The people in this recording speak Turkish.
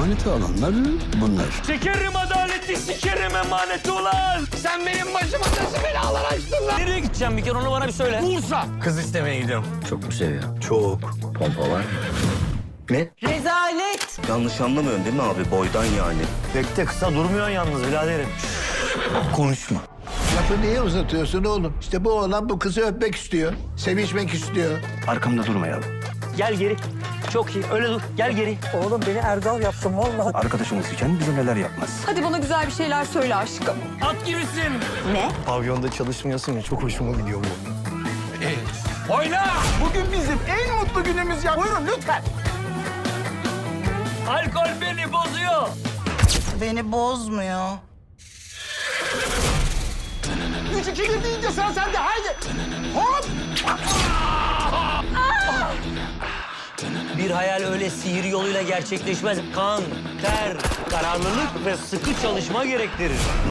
emaneti alanlar bunlar. Sikerim adaleti, sikerim emaneti ulan! Sen benim başıma nasıl belalar açtın lan? Nereye gideceğim bir kere onu bana bir söyle. Bursa! Kız istemeye gidiyorum. Çok mu seviyor? Çok. Pompa var mı? Ne? Rezalet. Yanlış anlamıyorsun değil mi abi? Boydan yani. Pek de kısa durmuyorsun yalnız biraderim. Konuşma. Lafı niye uzatıyorsun oğlum? İşte bu oğlan bu kızı öpmek istiyor. Sevişmek istiyor. Arkamda durmayalım. Gel geri. Çok iyi. Öyle dur. Gel geri. Oğlum beni Erdal yaptın vallahi. Arkadaşımız iken bize neler yapmaz. Hadi bana güzel bir şeyler söyle aşkım. At gibisin. Ne? Pavyonda çalışmıyorsun ya, çok hoşuma gidiyor bu. Oyna! Bugün bizim en mutlu günümüz ya. Buyurun lütfen. Alkol beni bozuyor. Beni bozmuyor. 3-2-1 deyince sıra sende haydi. Hop. Bir hayal öyle sihir yoluyla gerçekleşmez. Kan, ter, kararlılık ve sıkı çalışma gerektirir.